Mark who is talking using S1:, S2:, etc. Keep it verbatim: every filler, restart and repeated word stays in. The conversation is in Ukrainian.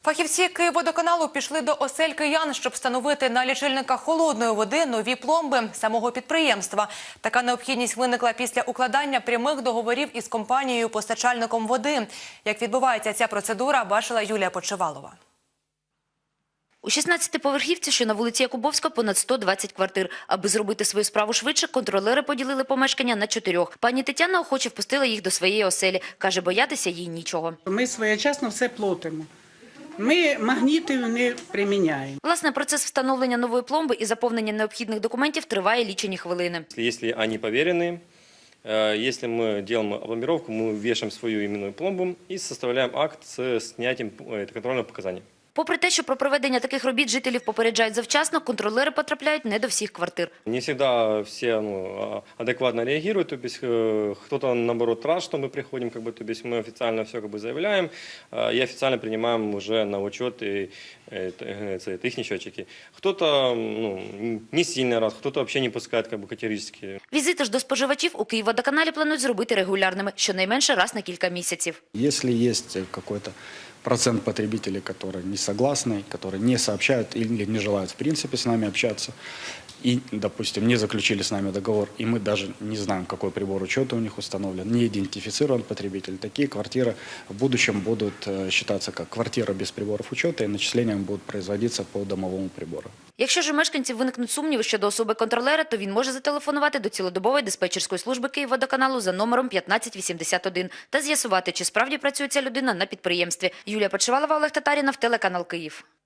S1: Фахівці Київводоканалу пішли до осель киян, щоб встановити на лічильниках холодної води нові пломби самого підприємства. Така необхідність виникла після укладання прямих договорів із компанією-постачальником води. Як відбувається ця процедура, бачила Юлія Почивалова.
S2: У шістнадцятиповерхівці, що на вулиці Якубовська, понад сто двадцять квартир. Аби зробити свою справу швидше, контролери поділили помешкання на чотирьох. Пані Тетяна охоче впустила їх до своєї оселі. Каже, боятися їй нічого.
S3: Ми своєчасно все платимо. Ми магнітів не приміняємо.
S2: Власне, процес встановлення нової пломби і заповнення необхідних документів триває лічені хвилини.
S4: Якщо вони перевірені, если мы делаем опломбировку, мы вешаем свою именную пломбу и составляем акт с снятием контрольных показаний.
S2: Попри те, що про проведення таких робіт жителів попереджають завчасно, контролери потрапляють не до всіх квартир.
S4: Не всегда все ну, адекватно реагируют, то есть кто-то наоборот рад, что мы приходим, как бы, то есть мы официально все как бы заявляем и официально принимаем уже на учет и, их счетчики. Кто-то ну, не сильно рад, кто-то вообще не пускает как бы, категорически.
S2: Візити ж до споживачів у Київводоканалі планують зробити регулярними, щонайменше раз на кілька місяців.
S5: Якщо є якийсь процент потребителей, которые не согласны, которые не сообщают или не желают в принципе с нами общаться и, допустим, не заключили с нами договор, и мы даже не знаем, какой прибор учета у них установлен, не идентифицирован потребитель, такие квартиры в будущем будут считаться как квартира без приборов учета, и начисления будут производиться по домовому прибору.
S2: Якщо ж у мешканців виникнуть сумніви щодо особи контролера, то він може зателефонувати до цілодобової диспетчерської служби Київводоканалу за номером п'ятнадцять вісімдесят один та з'ясувати, чи справді працює ця людина на підприємстві. Юлія Почивалова, Олег Татарінов, телеканал Київ.